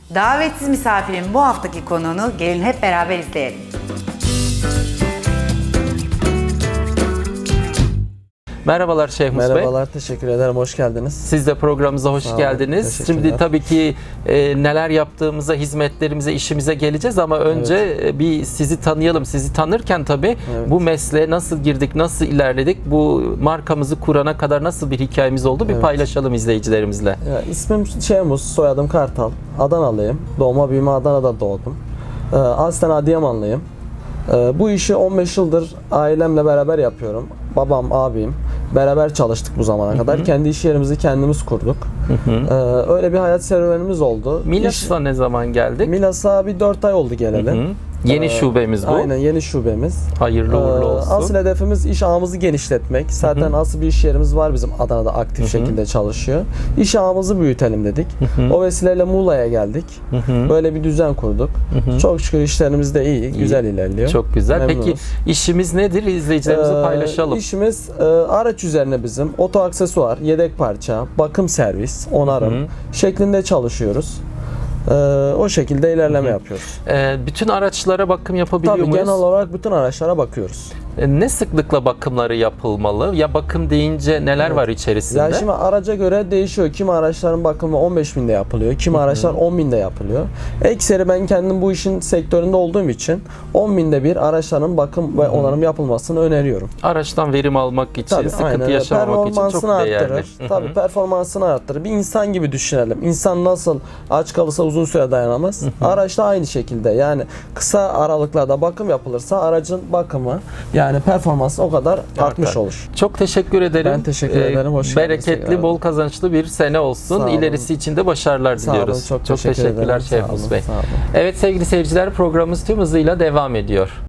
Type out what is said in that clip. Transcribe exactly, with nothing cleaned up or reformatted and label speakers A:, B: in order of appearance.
A: Davetsiz misafirin bu haftaki konuğunu gelin hep beraber izleyelim.
B: Merhabalar Şehmus Bey.
C: Merhabalar, teşekkür ederim. Hoş geldiniz.
B: Siz de programımıza hoş
C: Sağ olun,
B: geldiniz. Şimdi tabii ki e, neler yaptığımıza, hizmetlerimize, işimize geleceğiz ama önce evet. bir sizi tanıyalım. Sizi tanırken tabii evet. bu mesleğe nasıl girdik, nasıl ilerledik, bu markamızı kurana kadar nasıl bir hikayemiz oldu bir evet. paylaşalım izleyicilerimizle.
C: Ya, ismim Şehmus, soyadım Kartal. Adanalıyım. Doğma büyüme Adana'da doğdum. Ee, aslen Adıyamanlıyım. Ee, bu işi on beş yıldır ailemle beraber yapıyorum. Babam, abim beraber çalıştık bu zamana hı hı. kadar. Kendi iş yerimizi kendimiz kurduk. Hı hı. Ee, öyle bir hayat serüvenimiz oldu.
B: Milas'a ne zaman geldik?
C: Milas'a bir dört ay oldu geleli. Hı hı.
B: Yeni şubemiz bu.
C: Aynen, yeni şubemiz.
B: Hayırlı uğurlu olsun.
C: Asıl hedefimiz iş ağımızı genişletmek. Zaten hı hı. asıl bir iş yerimiz var bizim Adana'da aktif hı hı. şekilde çalışıyor. İş ağımızı büyütelim dedik. Hı hı. O vesileyle Muğla'ya geldik. Hı hı. Böyle bir düzen kurduk. Hı hı. Çok şükür işlerimiz de iyi, iyi, güzel ilerliyor.
B: Çok güzel. Memnunuz. Peki işimiz nedir? İzleyicilerimize ee, paylaşalım.
C: İşimiz e, araç üzerine bizim oto aksesuar, yedek parça, bakım servis, onarım hı hı. şeklinde çalışıyoruz. Ee, o şekilde ilerleme Hı. yapıyoruz.
B: Ee, bütün araçlara bakım yapabiliyor
C: Tabii,
B: muyuz?
C: genel olarak bütün araçlara bakıyoruz.
B: Ee, ne sıklıkla bakımları yapılmalı? Ya bakım deyince neler evet. var içerisinde?
C: Ya şimdi araca göre değişiyor. Kimi araçların bakımı on beş binde yapılıyor. Kimi Hı. araçlar on binde yapılıyor. Ekseri ben kendim bu işin sektöründe olduğum için on binde bir araçların bakım ve onarım yapılmasını öneriyorum.
B: Araçtan verim almak için, Tabii, sıkıntı aynen. yaşamamak için çok değerli.
C: Arttırır. Tabii performansını arttırır. Bir insan gibi düşünelim. İnsan nasıl aç kalırsa uzun süre dayanamaz. Hı hı. Araç da aynı şekilde. Yani kısa aralıklarda bakım yapılırsa aracın bakımı yani performansı o kadar artmış evet. olur.
B: Çok teşekkür ederim.
C: Ben teşekkür ee, ederim. Hoş
B: Bereketli, bol kazançlı bir sene olsun. İlerisi için de başarılar
C: Sağ
B: diliyoruz.
C: Olun, çok,
B: çok
C: teşekkür
B: teşekkürler Şehmus Bey. Evet sevgili seyirciler, programımız tüm hızıyla devam ediyor.